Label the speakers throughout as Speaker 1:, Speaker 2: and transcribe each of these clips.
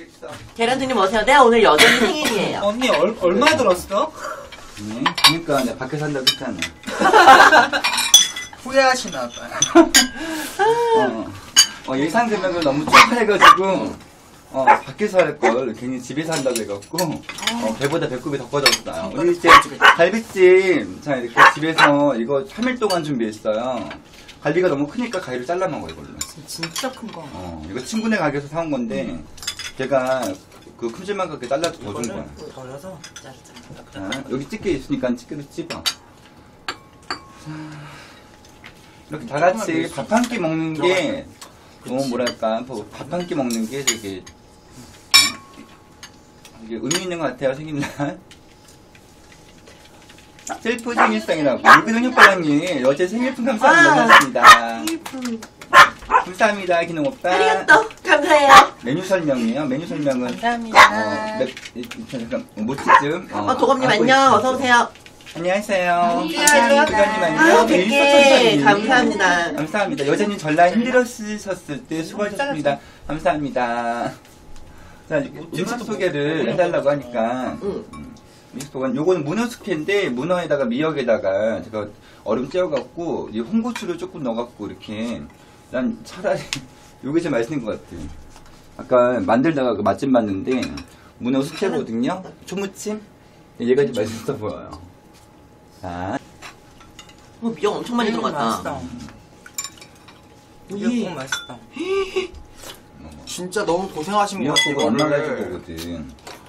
Speaker 1: 계란트님 어서오세요. 내가 오늘 여전히 생일이에요.
Speaker 2: 언니 얼마 들었어?
Speaker 3: 네, 그러니까 내가 밖에 산다고 했잖아.
Speaker 2: 후회하시나 봐요.
Speaker 3: 예상 금액을 너무 축하해가지고 밖에서 할 걸 괜히 집에서 한다고 해갖고 배보다 배꼽이 더 커졌어요. 우리 이제 갈비찜 자 이렇게 집에서 이거 3일 동안 준비했어요. 갈비가 너무 크니까 가위로 잘라 먹어 이걸로.
Speaker 2: 진짜 큰 거.
Speaker 3: 이거 친구네 가게에서 사온 건데 걔가 그 큼지막하게 잘라서 더 준 거야.
Speaker 2: 덜어서
Speaker 3: 자, 여기 집게 있으니까 집게로 찝어. 이렇게 다 같이 밥 한 끼 먹는 게 뭐랄까 밥 한 끼 먹는 게 되게 이게 의미 있는 것 같아요. 생일날 셀프 생일상이라고 유근영 협박님 어제 생일품 감사합니다. 고맙습니다. 감사합니다 기능 오빠.
Speaker 1: 아리가또 감사해요.
Speaker 3: 메뉴 설명이에요. 메뉴 설명은
Speaker 2: 감사합니다.
Speaker 3: 잠깐 모찌쯤
Speaker 1: 도검님 안녕 어서오세요.
Speaker 3: 안녕하세요.
Speaker 2: 안녕하세요.
Speaker 3: 기관님 안녕.
Speaker 1: 100개 감사합니다.
Speaker 3: 감사합니다. 여자님 전라 힘들었으셨을 때 수고하셨습니다. 감사합니다. 자, 음식 소개를 해달라고 하니까 음식 소개 요거는 문어 숙회인데 문어에다가 미역에다가 제가 얼음 째어갖고 이 홍고추를 조금 넣어갖고 이렇게 난 차라리 요게 제일 맛있는 것 같아. 아까 만들다가 그 맛집 봤는데 문어 숙회거든요. 초무침? 얘가 제일 맛있어 보여요. 자.
Speaker 1: 미역 엄청 많이 들어갔다.
Speaker 2: 맛있다. 미역국 맛있다. 진짜 너무 고생하신 것 같아요.
Speaker 3: 미역국은 엄마가 해준 거거든.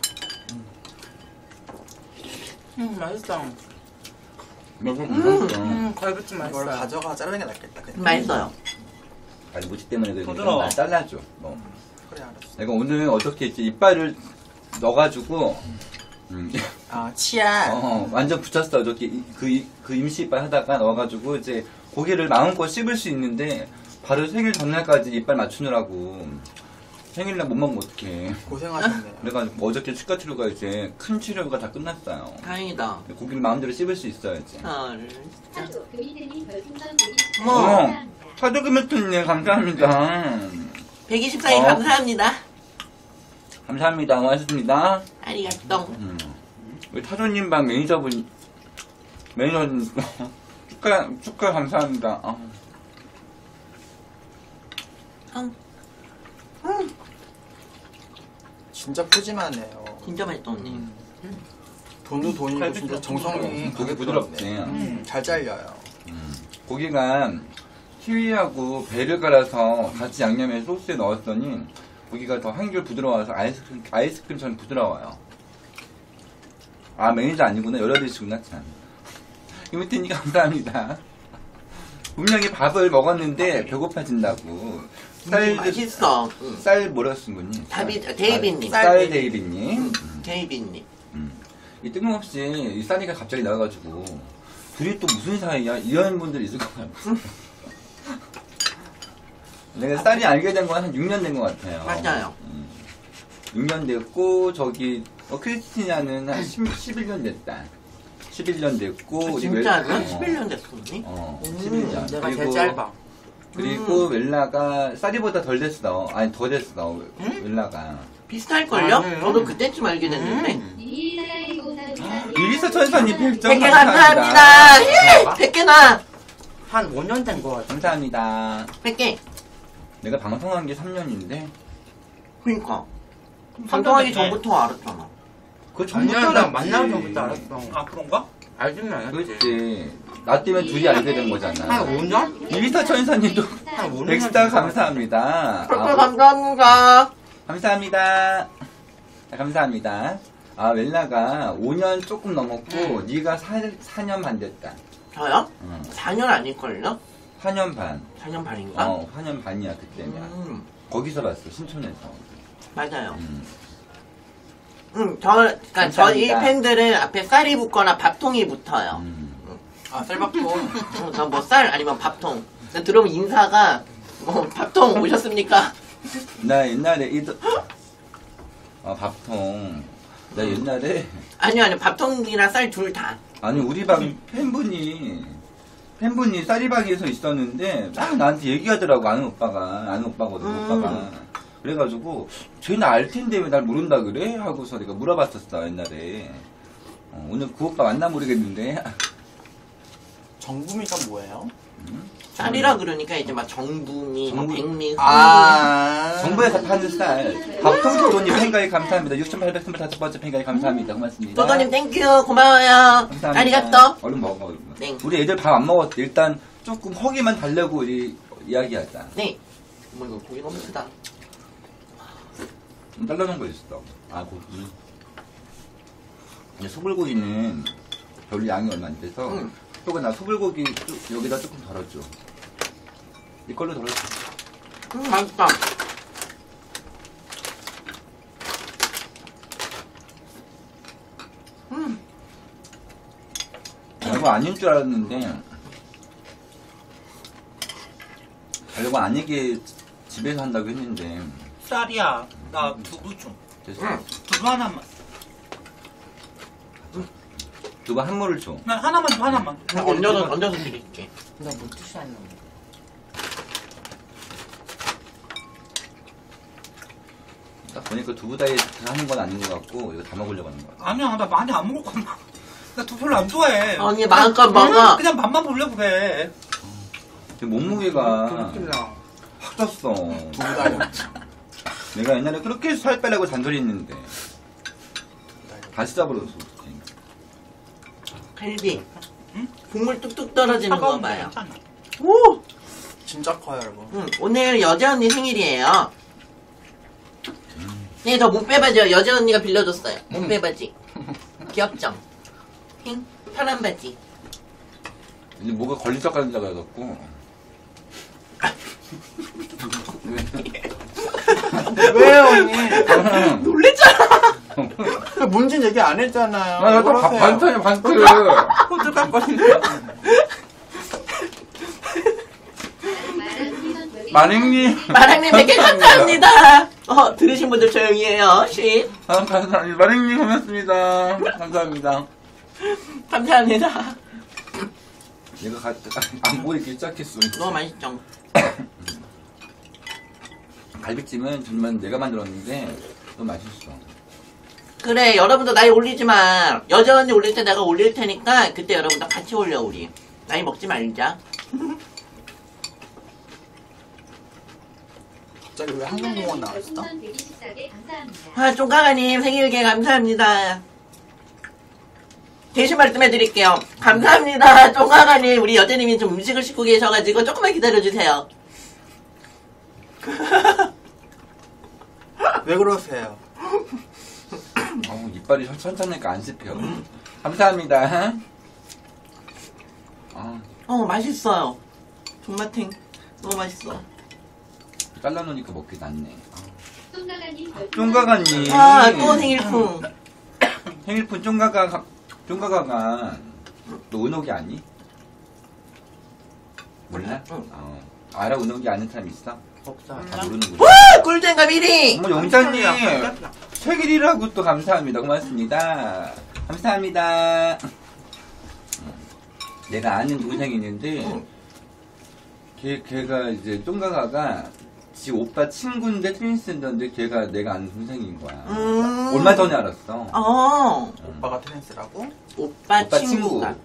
Speaker 2: 맛있다. 갈비찜 맛있어요. 이걸 가져가 자르는 게 낫겠다.
Speaker 1: 맛있어요.
Speaker 3: 아니 모찌 때문에 그러니까
Speaker 2: 부드러워.
Speaker 3: 나 잘라줘.
Speaker 2: 그래 알았어.
Speaker 3: 내가 오늘 어떻게 했지 이빨을 넣어가지고
Speaker 2: 치아.
Speaker 3: 완전 붙였어. 어저께 그 임시 이빨 하다가 넣어가지고 이제 고기를 마음껏 씹을 수 있는데 바로 생일 전날까지 이빨 맞추느라고 생일날 못 먹으면 어떡해.
Speaker 2: 고생하셨네요.
Speaker 3: 그래가지고 어저께 치과 치료가 이제 큰 치료가 다 끝났어요.
Speaker 1: 다행이다.
Speaker 3: 고기를 마음대로 씹을 수 있어야지.
Speaker 1: 어머,
Speaker 3: 타조금메토님 감사합니다.
Speaker 1: 124일 감사합니다.
Speaker 3: 감사합니다. 고맙습니다.
Speaker 1: 아리가또.
Speaker 3: 우리 타조님 방 매니저님 축하 감사합니다.
Speaker 2: 진짜 푸짐하네요.
Speaker 1: 진짜 맛있다 언니.
Speaker 2: 돈도 돈이고 진짜 정성이
Speaker 3: 고기 부드럽지.
Speaker 2: 잘 잘려요.
Speaker 3: 고기가 키위하고 배를 갈아서 같이 양념에 소스에 넣었더니 고기가 더 한결 부드러워서 아이스크림처럼 부드러워요. 아 매니저 아니구나. 열어드시구나 참. 이모티님 감사합니다. 분명히 밥을 먹었는데 배고파진다고.
Speaker 1: 맛있어.
Speaker 3: 쌀 뭐라 쓴 거니?
Speaker 1: 데이비님.
Speaker 3: 쌀 데이비님.
Speaker 1: 데이비님.
Speaker 3: 이 뜬금없이 이 쌀이가 갑자기 나와가지고 둘이 또 무슨 사이야? 이런 분들이 있을 것 같아요. 내가 쌀이 알게 된 건 한 6년 된 것 같아요.
Speaker 1: 맞아요.
Speaker 3: 6년 됐고 저기 크리스티나는 한 11년 됐다. 11년 됐고
Speaker 1: 진짜요? 11년 됐어 언니?
Speaker 3: 11년.
Speaker 2: 내가 제일 짧아.
Speaker 3: 그리고 웰라가 쌀이보다 덜 됐어. 아니 더 됐어. 웰라가.
Speaker 1: 비슷할걸요? 저도 그때쯤 알게 됐는데.
Speaker 3: 이리서 천사님 100점
Speaker 1: 100개 감사합니다. 100개나.
Speaker 2: 한 5년 된 거 같아.
Speaker 3: 감사합니다.
Speaker 1: 100개.
Speaker 3: 내가 방송한 게 3년인데
Speaker 1: 그니까. 방송하기 전부터 알았잖아.
Speaker 3: 그거
Speaker 2: 아니야,
Speaker 3: 전부터
Speaker 2: 나
Speaker 3: 알았지.
Speaker 2: 만나기 전부터 알았어.
Speaker 4: 아 그런가?
Speaker 2: 알지는 않았지.
Speaker 3: 그렇지. 나 때문에 둘이 알게 된 거잖아.
Speaker 2: 한 5년?
Speaker 3: 이리서 천사님도
Speaker 2: 한 5년?
Speaker 3: 백스타 감사합니다.
Speaker 1: 100개 감사합니다.
Speaker 3: 감사합니다. 감사합니다. 아 웰라가 5년 조금 넘었고 네가 4년 반 됐다.
Speaker 1: 저요?
Speaker 3: 응.
Speaker 1: 4년 아닐걸요?
Speaker 3: 4년 반.
Speaker 1: 4년 반인가?
Speaker 3: 4년 반이야 그때면. 거기서 봤어 신촌에서.
Speaker 1: 맞아요.
Speaker 3: 음.
Speaker 1: 그러니까 저희
Speaker 3: 감사합니다.
Speaker 1: 팬들은 앞에 쌀이 붙거나 밥통이 붙어요.
Speaker 2: 쌀밥통.
Speaker 1: 저 뭐 쌀 아니면 밥통. 들어오면 인사가 밥통 오셨습니까?
Speaker 3: 나 옛날에 밥통. 나 옛날에
Speaker 1: 아니요 밥통이랑 쌀 둘 다.
Speaker 3: 아니 우리 방 팬분이 쌀이방에서 있었는데 막 나한테 얘기하더라고. 아는 오빠거든. 오빠가 그래가지고 쟤는 알 텐데 왜 날 모른다 그래? 하고서 내가 물어봤었어 옛날에. 오늘 그 오빠 만나 모르겠는데.
Speaker 2: 정부미가 뭐예요?
Speaker 1: 쌀이라 그러니까 이제 막 정부미, 뭐
Speaker 3: 정부-
Speaker 1: 백미,
Speaker 3: 정부에서 파는 쌀. 밥통도님 팬가입 감사합니다. 6,825번째 팬가입 감사합니다. 고맙습니다.
Speaker 1: 도도님 땡큐 고마워요.
Speaker 3: 감사합니다.
Speaker 1: 아리가또.
Speaker 3: 얼른 먹어. 얼른.
Speaker 1: 네.
Speaker 3: 우리 애들 밥 안 먹었대. 일단 조금 허기만 달래고 우리 이야기하자.
Speaker 1: 네. 어머 이거 고기 너무 크다.
Speaker 3: 잘라놓은 거 있어. 아 고기. 근데 소불고기는 별로 양이 얼마 안 돼서
Speaker 1: 응.
Speaker 3: 또가 나 소불고기 여기다 조금 덜어줘. 이걸로 덜어줘.
Speaker 1: 맛있다.
Speaker 3: 별거 아닌 줄 알았는데 별거 아니게 집에서 한다고 했는데
Speaker 4: 쌀이야. 나 두부 좀.
Speaker 3: 됐어.
Speaker 4: 두부 하나만.
Speaker 3: 두부 한 모를 줘.
Speaker 4: 난 하나만 줘, 하나만.
Speaker 1: 얹어서 드릴게.
Speaker 2: 나뭐 뜻이 안 나는데.
Speaker 3: 딱 보니까 두부 다이어트 하는 건 아닌 것 같고 이거 다 먹으려고 하는 것 같아.
Speaker 4: 아니야, 나 많이 안 먹을 거야. 나 두부 별로 안 좋아해.
Speaker 1: 언니 마음껏 먹어.
Speaker 4: 그냥 맛만 보려고 그래.
Speaker 3: 지금 몸무게가
Speaker 2: 그냥
Speaker 3: 확 쪘어.
Speaker 2: 두부 다이어트.
Speaker 3: 내가 옛날에 그렇게 살 빼라고 잔소리 했는데 다시 잡으러서
Speaker 1: 갈비.
Speaker 4: 응?
Speaker 1: 국물 뚝뚝 떨어지는 거
Speaker 4: 차가운 거
Speaker 1: 봐요.
Speaker 4: 괜찮아.
Speaker 1: 오!
Speaker 2: 진짜 커요, 여러분.
Speaker 1: 오늘 여자 언니 생일이에요. 네, 저 목빼바지요. 여자 언니가 빌려줬어요. 목빼바지. 귀엽죠? 핑? 파란 바지.
Speaker 3: 이제 뭐가 걸리적거리는 줄 알았고
Speaker 2: 왜요, 언니?
Speaker 1: 놀랬잖아.
Speaker 2: 뭔진 얘기 안 했잖아요.
Speaker 3: 아, 나또
Speaker 2: 그러세요.
Speaker 3: 반찬이야 반찬.
Speaker 4: 호들갑거리네.
Speaker 3: 마랭님.
Speaker 1: 마랑님 100개 감사합니다. 들으신 분들 조용히 해요. 쉿.
Speaker 3: 감사합니다. 마랭님 고맙습니다. 감사합니다.
Speaker 1: 감사합니다.
Speaker 3: 얘가 안 보이기 시작했어.
Speaker 1: 너무 맛있죠?
Speaker 3: 갈비찜은 정말 내가 만들었는데 너무 맛있어.
Speaker 1: 그래, 여러분도 나이 올리지 마. 여자 언니 올릴 때 내가 올릴 테니까 그때 여러분도 같이 올려, 우리. 나이 먹지 말자.
Speaker 2: 갑자기 왜 한국공원 나왔어?
Speaker 1: 쫑가가님 생일계 감사합니다. 대신 말씀해드릴게요. 감사합니다. 쫑가가님, 우리 여자님이 좀 음식을 싣고 계셔가지고 조금만 기다려주세요.
Speaker 2: 왜 그러세요?
Speaker 3: 이빨이 천천하니까 안 씹혀. 감사합니다.
Speaker 1: 맛있어요. 존맛탱. 너무 맛있어.
Speaker 3: 잘라놓으니까 먹기 낫네.
Speaker 5: 쫑가가님
Speaker 3: 쫑가가님.
Speaker 1: 또 생일풍.
Speaker 3: 생일푼 쫑가가가 너 은옥이 아니? 몰라?
Speaker 1: 응.
Speaker 3: 알아 은옥이 아는 사람 있어?
Speaker 2: 없어.
Speaker 3: 다 모르는구나.
Speaker 1: 꿀잼감 1위!
Speaker 3: 어머 영자님 생일이라고 또 감사합니다. 고맙습니다. 감사합니다. 내가 아는 동생이 있는데 걔가 이제 쫑가가가 지 오빠 친구인데 트윈스인데 걔가 내가 아는 동생인 거야. 얼마 전에 알았어.
Speaker 2: 오빠가 트랜스라고?
Speaker 1: 오빠
Speaker 3: 오빠
Speaker 1: 친구가.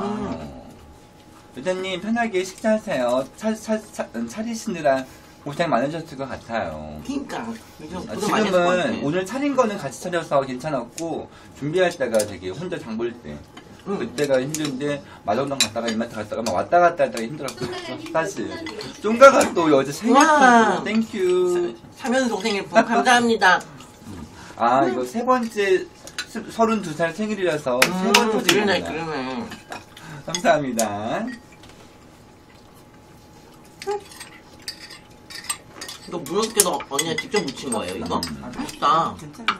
Speaker 3: 여자님 편하게 식사하세요. 차리시느라 고생 많으셨을 것 같아요.
Speaker 1: 그니까. 고생 많이 했을 것 같아.
Speaker 3: 지금은 오늘 차린 거는 같이 차려서 괜찮았고 준비할 때가 되게 혼자 장 볼 때 그때가 힘든데 마정동 갔다가 이마트 갔다가 막 왔다 갔다 하다가 힘들었고 사실 쫑가가 또 여자
Speaker 1: 우와.
Speaker 3: 생일품 땡큐.
Speaker 1: 3연속 생일풍 감사합니다.
Speaker 3: 이거 세 번째 32살 생일이라서 세 번
Speaker 1: 그러네
Speaker 3: 터지구나.
Speaker 1: 그러네.
Speaker 3: 감사합니다.
Speaker 1: 이거 무섭게도 언니가 직접 무친 거예요 이거? 맛있다.
Speaker 2: 괜찮아.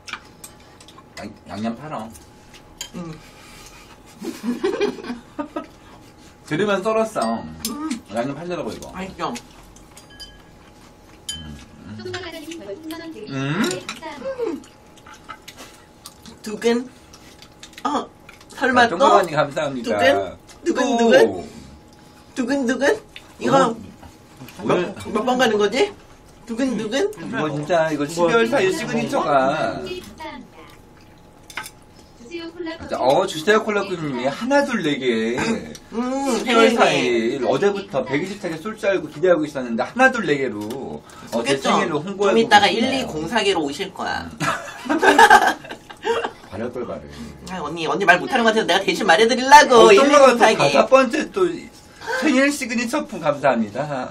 Speaker 3: 양념 팔어.
Speaker 1: 음.
Speaker 3: 들으면 썰었어. 양념 팔더라고 이거.
Speaker 1: 맛있죠? 두근? 설마 또?
Speaker 3: 쫑가가님 감사합니다.
Speaker 1: 두근? 두근? 이거
Speaker 3: 오늘
Speaker 1: 몇 번 가는 거지? 두근두근?
Speaker 3: 이거 진짜 이거 12월 4일 시그니처가 주세요 콜라꾸님이 하나 둘 4개 12월
Speaker 1: 생일네.
Speaker 3: 4일 어제부터 120차게 쏠 줄 알고 기대하고 있었는데 하나 둘 4개로 제 생일로 홍보하고
Speaker 1: 좀 이따가
Speaker 3: 계시네요.
Speaker 1: 1204개로 오실 거야.
Speaker 3: 바랄 걸 바래.
Speaker 1: 아, 언니 말 못하는 것 같아서 내가 대신 말해드리려고.
Speaker 3: 어떤 거가 또
Speaker 1: 1204개.
Speaker 3: 5번째 또 생일 시그니처품 감사합니다.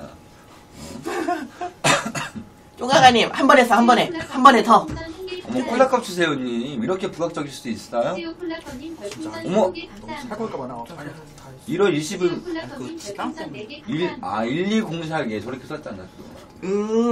Speaker 1: 쪼가가님, 한 번에 써, 한 번에. 한 번에 더.
Speaker 3: 어머 콜라컵 주세요님 이렇게 부각적일 수도 있어요? 어머
Speaker 2: 사골까 봐
Speaker 3: 1월 20일
Speaker 2: 그 지방 때문에.
Speaker 3: 1204개 저렇게 썼잖아 또.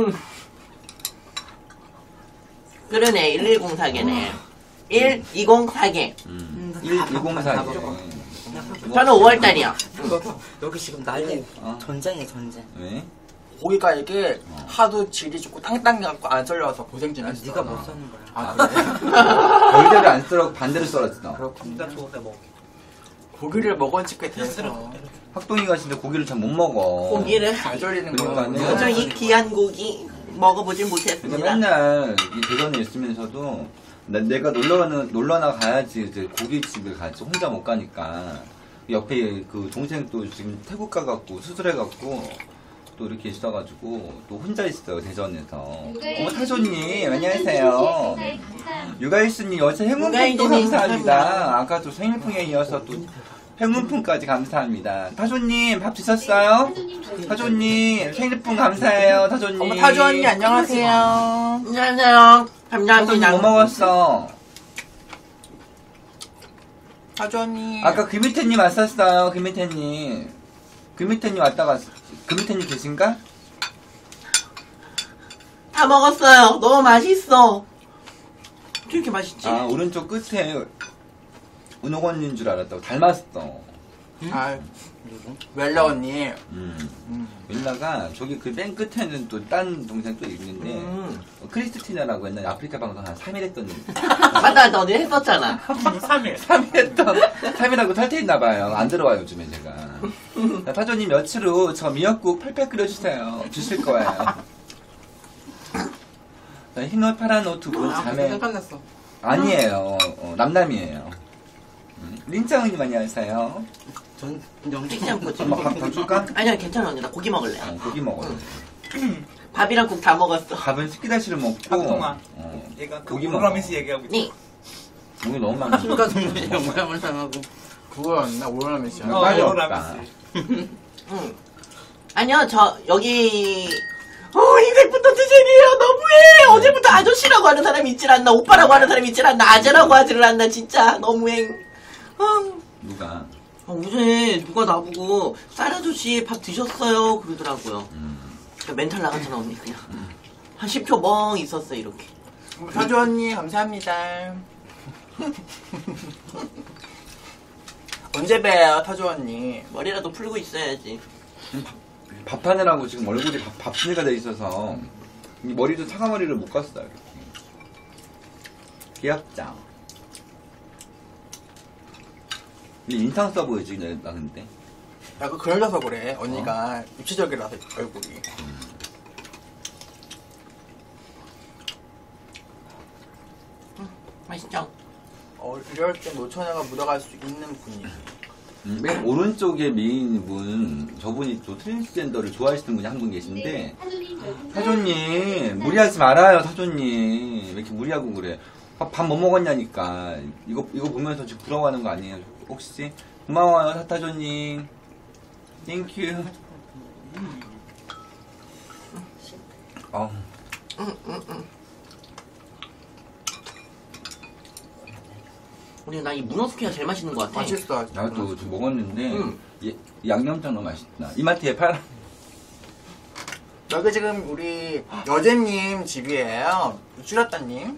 Speaker 1: 그러네, 1104개네. 1204개.
Speaker 3: 1204개.
Speaker 1: 저는 5월달이요.
Speaker 5: 여기 지금 난리
Speaker 3: 어.
Speaker 5: 전쟁이야 전쟁.
Speaker 3: 왜?
Speaker 2: 고기가 이게 하도 질이 좋고 탕탕해갖고 안 썰려서 고생 좀 했어.
Speaker 5: 네가 못 사는 거야.
Speaker 2: 아 그래?
Speaker 3: 별대로 안 썰어 반대로 썰었어.
Speaker 4: 진짜 좋은데 먹어.
Speaker 2: 고기를 먹은 지꽤 돼서
Speaker 3: 학동이가 진짜 고기를 잘 못 먹어.
Speaker 1: 고기를.
Speaker 2: 잘 절이는
Speaker 3: 그러니까는.
Speaker 2: 거야.
Speaker 1: 저 이 귀한 고기 먹어보진
Speaker 3: 그러니까
Speaker 1: 못했습니다.
Speaker 3: 맨날 이 대전에 있으면서도 내가 놀러나 가야지 이제 고깃집을 가지 혼자 못 가니까 옆에 그 동생 또 지금 태국 가갖고 수술해갖고 또 이렇게 있어가지고 또 혼자 있어요 대전에서. 어머 타조님 안녕하세요. 육아일수님 어제 행운품도
Speaker 1: 육아일수님
Speaker 3: 감사합니다. 아까 또 생일풍에 이어서 또 행운품까지 감사합니다. 타조님 밥 드셨어요? 타조님 생일풍 감사해요. 타조님.
Speaker 2: 어머 타조 언니 안녕하세요.
Speaker 1: 안녕하세요.
Speaker 3: 타조님
Speaker 1: 감사합니다.
Speaker 3: 뭐 먹었어?
Speaker 2: 타조 언니.
Speaker 3: 아까 금이태님 왔었어요. 금이태님. 금이태님 왔다가 금이태님 계신가?
Speaker 1: 다 먹었어요. 너무 맛있어. 어떻게 이렇게 맛있지?
Speaker 3: 아 오른쪽 끝에 은호건인 줄 알았다고 닮았어.
Speaker 2: 아 웰라 언니.
Speaker 3: 윌라가 저기 그 맨 끝에는 또 딴 동생 또 있는데 크리스티나라고 옛날에 아프리카 방송 한 3일 했던
Speaker 1: 맞다, 어제 했었잖아.
Speaker 4: 3일.
Speaker 3: 3일하고 탈퇴했나봐요. 안 들어와요 요즘에 제가. 자, 타조님 며칠 후 저 미역국 팔팔 끓여주세요. 주실 거예요. 자, 흰옷 파란 옷 두 분 자매
Speaker 2: 생각났어.
Speaker 3: 아니에요. 남남이에요. 린짱님 안녕하세요.
Speaker 5: 전 연기
Speaker 1: 찍지 않고 지금.
Speaker 3: 엄마 밥 줄까?
Speaker 1: 아니야, 괜찮아, 언니. 나 고기 먹을래.
Speaker 3: 고기 먹어요.
Speaker 1: 밥이랑 국 다 먹었어.
Speaker 3: 밥은 식기다시를 먹고
Speaker 4: 박동아.
Speaker 3: 어,
Speaker 4: 얘가 그
Speaker 3: 고기
Speaker 4: 오라면서
Speaker 3: 먹어.
Speaker 4: 얘기하고 있어.
Speaker 1: 니,
Speaker 3: 고기 너무 많아.
Speaker 5: 술과 동물의 영감을 당하고
Speaker 2: 그거였나? 오로라면 씨야.
Speaker 3: 빨리
Speaker 4: 오라면서.
Speaker 1: 응. 아니요, 여기. 인생부터 드세요. 너무해. 어제부터 아저씨라고 하는 사람이 있질 않나. 오빠라고 하는 사람이 있질 않나. 아재라고 하지를 않나. 진짜 너무해.
Speaker 3: 누가?
Speaker 1: 어제 누가 나보고 쌀 아저씨 밥 드셨어요? 그러더라고요. 멘탈 나갔잖아, 언니. 그냥. 한 10초 멍 있었어, 이렇게.
Speaker 2: 타조 언니 감사합니다. 언제 봬요 타조 언니?
Speaker 1: 머리라도 풀고 있어야지.
Speaker 3: 밥하느라고 지금 얼굴이 밥순이가 돼 있어서 이 머리도 사과머리를 못 갔어요. 이렇게. 귀엽죠? 인상 써 보이지 나 근데.
Speaker 2: 야, 그 그러려서 그래. 언니가 입체적이라서 얼굴이.
Speaker 1: 맛있죠?
Speaker 2: 이럴 때 노처녀가 묻어갈 수 있는 분이에요.
Speaker 3: 맨 오른쪽에 미인 분 저분이 또 트랜스젠더를 좋아하시는 분이 한 분 계신데 사조님 무리하지 말아요 사조님 왜 이렇게 무리하고 그래. 밥 뭐 먹었냐니까. 이거 보면서 지금 부러워하는 거 아니에요 혹시? 고마워요 사타조님. 땡큐.
Speaker 1: 우리 나 이 문어 스퀘어 제일 맛있는 것 같아.
Speaker 2: 맛있어.
Speaker 3: 나도 지금 먹었는데
Speaker 1: 응.
Speaker 3: 양념장 너무 맛있다. 이마트에 팔아.
Speaker 2: 여기 지금 우리 여제님 집이에요. 쭈렸다님.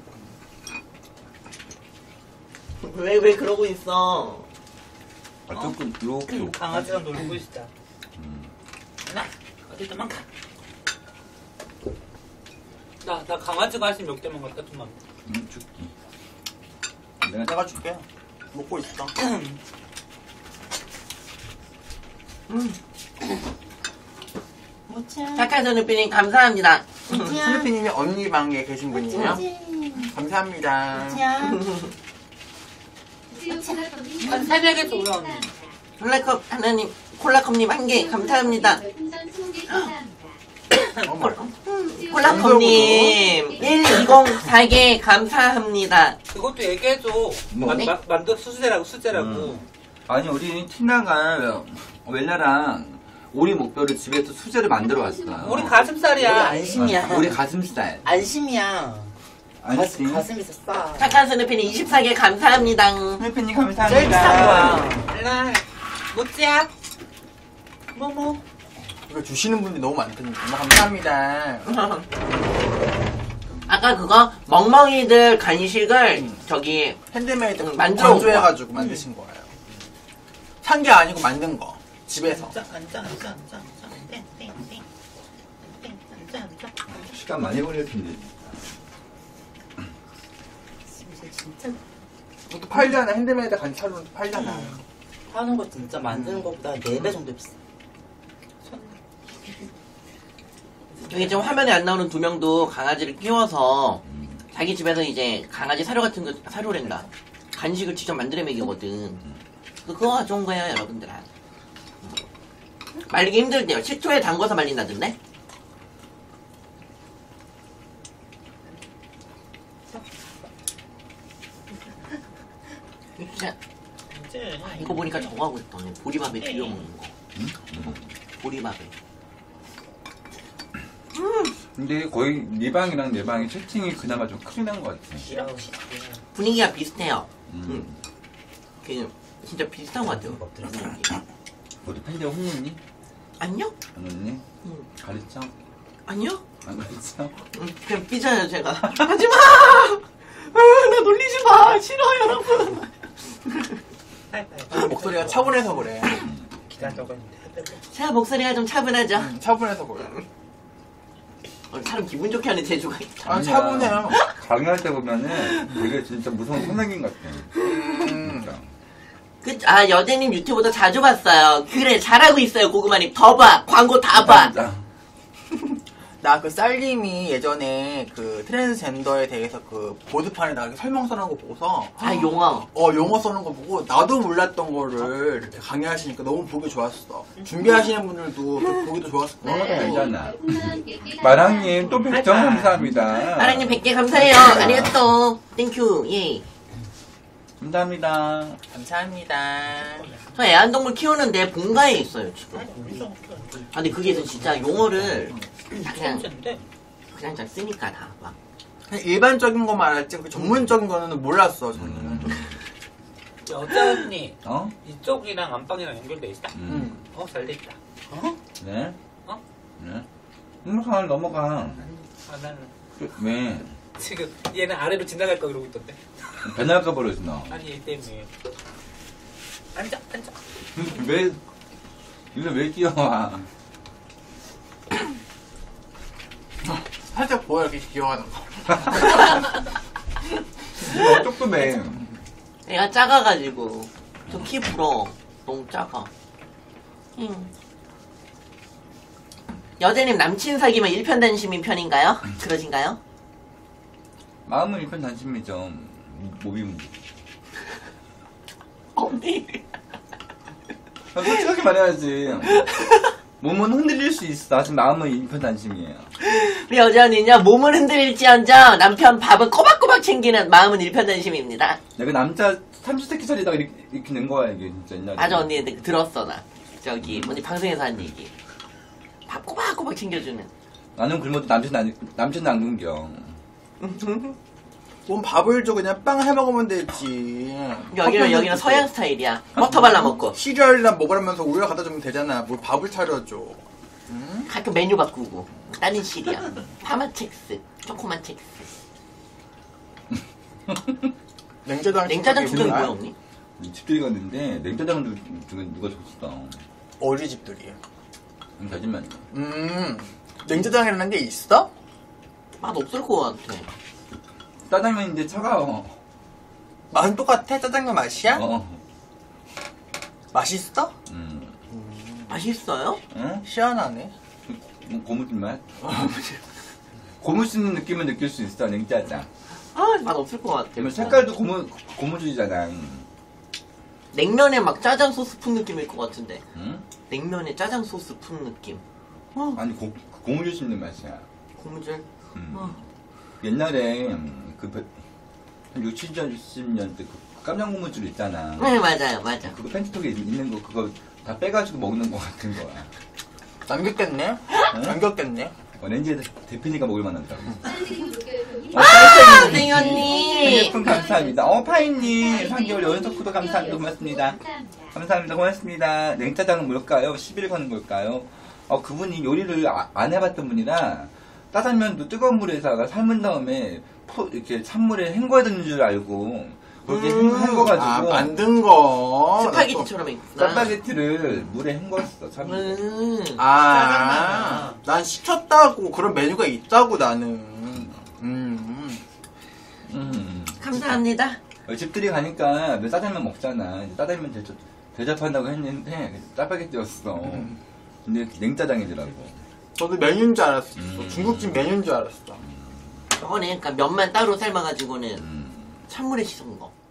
Speaker 1: 왜 그러고 있어?
Speaker 3: 조금 이렇게.
Speaker 4: 강아지랑 놀고 있다. 나 어디 도망가. 나 강아지가 할수 몇 개만 갖다 주면.
Speaker 3: 줄게.
Speaker 2: 내가 줄게. 먹고 있어.
Speaker 1: 착한 선우피님 감사합니다.
Speaker 2: 스누피님이 언니 방에 계신 분이에요. 감사합니다.
Speaker 4: 새벽에 또 올라오네.
Speaker 1: 콜라컵 하나님, 콜라컵님 한 개 감사합니다. 콜라컵님 1204개 감사합니다.
Speaker 4: 그것도 얘기해줘.
Speaker 3: 뭐?
Speaker 4: 만두 수제라고.
Speaker 3: 아니 우리 티나가 웰라랑 우리 목표를 집에서 수제를 만들어 왔어요.
Speaker 4: 우리 가슴살이야.
Speaker 5: 안심이야.
Speaker 3: 우리 가슴살.
Speaker 5: 안심이야.
Speaker 3: 아니지.
Speaker 5: 가슴이 싸.
Speaker 1: 착한 스누피님 24개 감사합니다.
Speaker 3: 스누피님
Speaker 5: 제일 비싼
Speaker 3: 감사합니다.
Speaker 5: 거야.
Speaker 4: 일라 못지야. 뭐뭐.
Speaker 2: 이거 주시는 분들이 너무 많거든요. 감사합니다.
Speaker 1: 아까 그거 멍멍이들 간식을 저기
Speaker 2: 핸드메이드
Speaker 1: 만들어
Speaker 2: 건조해가지고 만드신 거예요. 산 게 아니고 만든 거. 집에서.
Speaker 3: 시간 많이 걸릴 텐데.
Speaker 5: 진짜
Speaker 2: 또 팔잖아. 핸드메이드 간식 사러 팔잖아.
Speaker 5: 하는 거 진짜 만드는 것보다 4배 정도 비싸.
Speaker 1: 여기 지금 화면에 안 나오는 두 명도 강아지를 키워서 자기 집에서 이제 강아지 사료 같은 거 사료랜다. 간식을 직접 만들어 먹이거든. 그거 가져온 거예요, 여러분들아. 말리기 힘들대요. 식초에 담궈서 말린다던데? 진짜 이거 보니까 저거 하고 싶다. 보리밥에 비벼 먹는 거. 보리밥에.
Speaker 3: 근데 거의 네 방이랑 내 방이 채팅이 그나마 좀 크게 난 것 같아.
Speaker 1: 분위기가 비슷해요. 그 진짜 비슷한 것 같아요.
Speaker 3: 우리 팬들 혼냈니?
Speaker 1: 아니요?
Speaker 3: 안 혼냈니?
Speaker 1: 응.
Speaker 3: 가르쳐?
Speaker 1: 아니요?
Speaker 3: 안 가르쳐?
Speaker 1: 그냥 삐져요, 제가. 하지마! 나 놀리지 마! 싫어, 여러분!
Speaker 2: 목소리가 차분해서 그래.
Speaker 4: 기다려고 했는데.
Speaker 1: 제가 목소리가 좀 차분하죠?
Speaker 2: 차분해서 그래.
Speaker 1: 사람 기분 좋게 하는 재주가 있다.
Speaker 2: 아, 차분해요.
Speaker 3: 강의할 때 보면은 되게 진짜 무서운 선생님 같아. 진짜.
Speaker 1: 여대님 유튜브도 자주 봤어요. 그래, 잘하고 있어요, 고구마님. 더 봐! 광고 다 봐!
Speaker 3: 진짜.
Speaker 2: 나 그 쌀님이 예전에 그 트랜스젠더에 대해서 그 보드판에다가 설명 써놓은 거 보고서
Speaker 1: 용어.
Speaker 2: 용어 써놓은 거 보고 나도 몰랐던 거를 이렇게 강의하시니까 너무 보기 좋았어. 준비하시는 분들도 보기도 좋았을
Speaker 3: 어,
Speaker 2: 거야.
Speaker 3: 알잖아. 마랑님 또 100점 감사합니다.
Speaker 1: 아랑님 100개 감사해요. 아리가또. 땡큐. 예.
Speaker 3: 감사합니다.
Speaker 2: 감사합니다.
Speaker 1: 저 애완동물 키우는데 본가에 있어요, 지금. 근데 그게 진짜 용어를 그냥 잘 쓰니까 다 막.
Speaker 2: 그냥 일반적인 것만 알았지 그 전문적인 거는 몰랐어 저는.
Speaker 4: 여자 언니
Speaker 3: 어?
Speaker 4: 이쪽이랑 안방이랑 연결돼 있어? 잘 돼 있다.
Speaker 3: 네?
Speaker 4: 어?
Speaker 3: 네? 넘어가.
Speaker 4: 나는
Speaker 3: 왜?
Speaker 4: 지금 얘는 아래로 지나갈 거 그러고 있던데.
Speaker 3: 변할까 버렸어, 너.
Speaker 4: 아니 얘 때문에. 앉아.
Speaker 3: 왜, 이거 왜 뛰어와?
Speaker 2: 살짝 보여 이렇게 기어가는 거.
Speaker 3: 이거 조금해.
Speaker 1: 애가 작아가지고. 저 키 부러워. 너무 작아. 여대님 남친 사귀면 일편단심인 편인가요? 그러신가요?
Speaker 3: 마음은 일편단심이죠. 몸이 문제.
Speaker 1: 언니.
Speaker 3: 솔직하게 말해야지. 몸은 흔들릴 수 있어. 하지만 마음은 일편단심이에요.
Speaker 1: 우리 여자는요, 몸을 흔들릴지언정 남편 밥은 꼬박꼬박 챙기는 마음은 일편단심입니다.
Speaker 3: 내가 남자 30세끼 차리다가 이렇게 낸 거야, 이게 진짜 옛날에.
Speaker 1: 맞아, 언니. 들었어, 나. 저기, 언니 방송에서 한 얘기. 밥 꼬박꼬박 챙겨주는.
Speaker 3: 나는 굶어도 남편은 안 굶겨.
Speaker 2: 뭔 밥을 줘 그냥 빵 해먹으면 되지.
Speaker 1: 여기는 서양 스타일이야. 버터 발라먹고.
Speaker 2: 시리얼이나 먹으라면서 우유 갖다 주면 되잖아. 뭘 밥을 차려줘.
Speaker 1: 가끔 메뉴 바꾸고. 다른 시리야. 파마첵스, 초코마첵스. 냉짜장 주경이 뭐야, 언니?
Speaker 3: 집들이 갔는데 냉짜장도 누가 줬어.
Speaker 2: 어디 집들이?
Speaker 3: 거짓말이야.
Speaker 2: 냉짜장이라는 게 있어?
Speaker 1: 맛 없을 것 같아.
Speaker 3: 짜장면인데 차가워.
Speaker 2: 맛은 똑같아? 짜장면 맛이야? 맛있어?
Speaker 1: 맛있어요?
Speaker 3: 응?
Speaker 2: 시원하네.
Speaker 3: 고무줄 맛? 고무 씹는 느낌을 느낄 수 있어, 냉짜장.
Speaker 1: 아, 맛 없을 것 같아.
Speaker 3: 그러면 색깔도 고무줄이잖아.
Speaker 1: 냉면에 막 짜장 소스 푼 느낌일 것 같은데.
Speaker 3: 응?
Speaker 1: 냉면에 짜장 소스 푼 느낌.
Speaker 3: 아니, 고무줄 씹는 맛이야.
Speaker 1: 고무줄.
Speaker 3: 옛날에, 한 6, 70년 때 그 깜장 고무줄 있잖아.
Speaker 1: 네, 맞아요, 맞아.
Speaker 3: 그거 펜트톡에 있는 거, 그거 다 빼가지고 먹는 거 같은 거야.
Speaker 2: 남겼겠네? 남겼겠네?
Speaker 3: 렌즈에 대표니까 먹을 만하더라고.
Speaker 1: 아, 생연님.
Speaker 3: 생일품 감사합니다. 파이님, 3개월 연속 구독 감사합니다. 고맙습니다. 감사합니다. 고맙습니다. 냉짜장은 뭘까요? 10일 거는 걸까요? 그분이 요리를 안 해봤던 분이라 짜장면도 뜨거운 물에다가 삶은 다음에 이렇게 찬물에 헹궈야 되는 줄 알고 그렇게 헹궈가지고
Speaker 2: 만든 거.
Speaker 1: 스파게티처럼 있구나.
Speaker 3: 짜파게티를 물에 헹궜어. 참을.
Speaker 2: 난 시켰다고 그런 메뉴가 있다고 나는.
Speaker 1: 감사합니다.
Speaker 3: 집들이 가니까 왜 짜장면 먹잖아. 이제 짜장면 대접한다고 했는데 짜파게티였어. 근데 냉짜장이더라고.
Speaker 2: 저도 메뉴인 줄 알았어. 중국집 메뉴인 줄 알았어.
Speaker 1: 저거는 그러니까 면만 따로 삶아가지고는 찬물에 씻은 거.